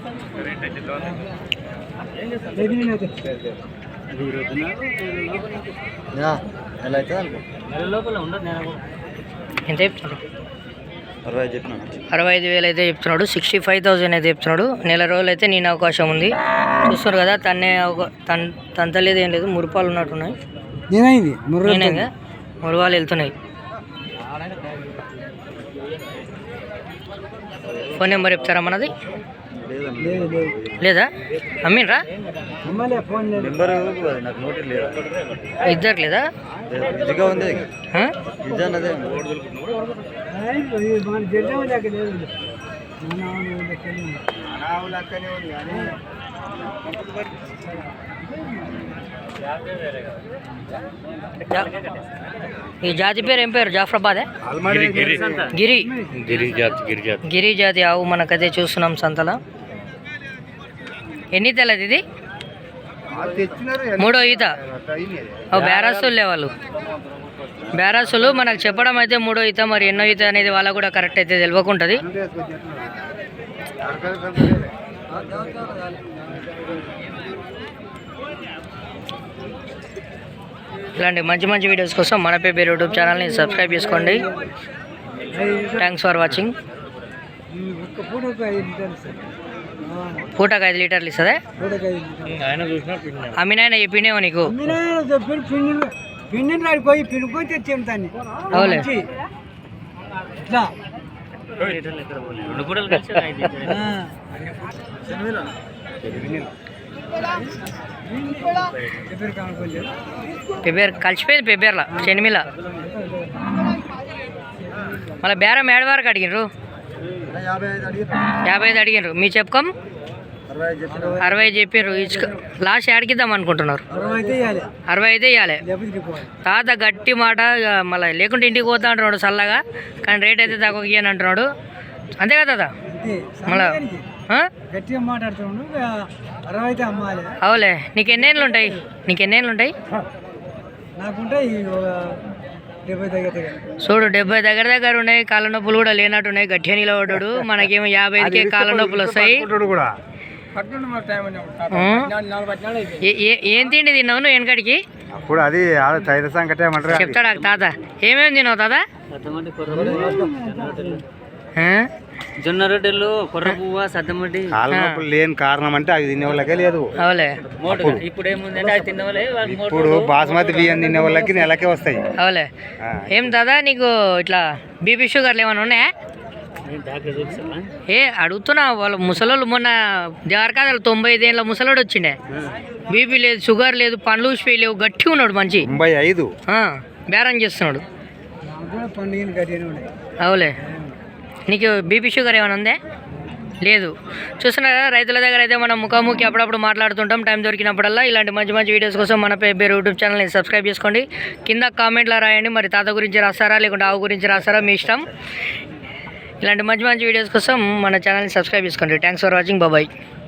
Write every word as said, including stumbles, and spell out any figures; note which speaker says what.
Speaker 1: ఎంత చెప్తున్నాడు? అరవై ఐదు వేలు అయితే చెప్తున్నాడు. సిక్స్టీ ఫైవ్ థౌజండ్ అయితే చెప్తున్నాడు. నెల రోజులు అయితే నేను అవకాశం ఉంది. చూస్తున్నారు కదా, తన్నే తన తంతలేదు ఏం లేదు, మురుపాలు ఉన్నట్టున్నాయి. నేనే మురుపాలు వెళ్తున్నాయి. ఫోన్ నెంబర్ చెప్తారా మనది? లేదా అమ్మిన్రా? ఇద్దరు లేదా? ఈ జాతి పేరు ఏం పేరు? జాఫరాబాదే గిరి గిరి జాతి ఆవు మనకైతే చూస్తున్నాం సంతలో. ఎన్ని తెలది ఇది? మూడో ఈత. బేరాసులే వాళ్ళు, బేరాసులు మనకు చెప్పడం అయితే మూడో ఈత. మరి ఎన్నో ఈత అనేది వాళ్ళకు కూడా కరెక్ట్ అయితే తెలియకుంటుంది. ఇలాంటి మంచి మంచి వీడియోస్ కోసం మన పేపర్ యూట్యూబ్ ఛానల్ని సబ్స్క్రైబ్ చేసుకోండి. Thanks for watching. పూటకు ఐదు లీటర్లు ఇస్తుందా? అమ్మినాయన చెప్పిండేమో నీకు. అవులే పెబ్బేర్ కలిసిపోయింది. పెబ్బేర్లా శనిమిల మళ్ళీ బేరం ఏడు వరకు అడిగినరు? యాభై ఐదు అడిగినారు. మీ చెప్పుకోం అరవై ఐదు చెప్పారు. ఇచ్చుక లాస్ట్ ఏడికిద్దాం అనుకుంటున్నారు? అరవై అయితే ఇవ్వాలి. తాత గట్టి మాట. మళ్ళీ లేకుంటే ఇంటికి పోతా అంటున్నాడు చల్లగా, కానీ రేట్ అయితే తక్కువ ఇయ్యని అంటున్నాడు. అంతే కదా తాత? మళ్ళా అవులే. నీకు ఎన్నేళ్ళు ఉంటాయి? నీకు ఎన్నేళ్ళు ఉంటాయి? చూడు, డెబ్బై దగ్గర దగ్గర ఉన్నాయి. కాళ్ళ నొప్పులు కూడా లేనట్టు ఉన్నాయి. గట్టిగా నిలబడ్డాడు. మనకేమో యాభై ఐదుకే కాళ్ళ నొప్పులు వస్తాయి. ఏం తిండి తిన్నావు నువ్వు వెనకడికి? చెప్తాడా తాత? ఏమేమి తిన్నావు తాత? జొన్న రొట్టెలు, కొర్ర పువ్వు, సద్దమడ్డి.
Speaker 2: లేని కారణం అంటే అవి తినే వాళ్ళకే లేదు.
Speaker 1: అవులే.
Speaker 2: ఇప్పుడు ఏముందంటే అది తినే వాళ్ళే. ఇప్పుడు బాస్మతి బియ్యం తినే వాళ్ళకి నెలకే వస్తాయి.
Speaker 1: అవులే. ఏం దాదా నీకు ఇట్లా బీపీ షుగర్లు ఏమైనా ఉన్నాయా? ఏ అడుగుతున్నా. వాళ్ళు ముసలోళ్ళు మొన్న దేవరకాదలు తొంభై ఐదేళ్ళ ముసలోడు వచ్చిండే. బీపీ లేదు, షుగర్ లేదు, పండ్లు ఊసిపోయి లేవు, గట్టిగా ఉన్నాడు మంచి.
Speaker 2: తొంభై ఐదు
Speaker 1: బేరం చేస్తున్నాడు. అవులే. నీకు బీపీ షుగర్ ఏమైనా ఉందే? లేదు. చూస్తున్నారా, రైతుల దగ్గర అయితే మనం ముఖాముఖి అప్పుడప్పుడు మాట్లాడుతుంటాం టైం దొరికినప్పుడల్లా. ఇలాంటి మంచి మంచి వీడియోస్ కోసం మన పేరు యూట్యూబ్ ఛానల్ని సబ్స్క్రైబ్ చేసుకోండి. కింద కామెంట్లో రాయండి, మరి తాత గురించి రాస్తారా లేకుంటే ఆవు గురించి రాస్తారా, మీ ఇష్టం. ఇలాంటి మంచి మంచి వీడియోస్ కోసం మన ఛానల్ని సబ్స్క్రైబ్ చేసుకోండి. Thanks for watching. బాయ్.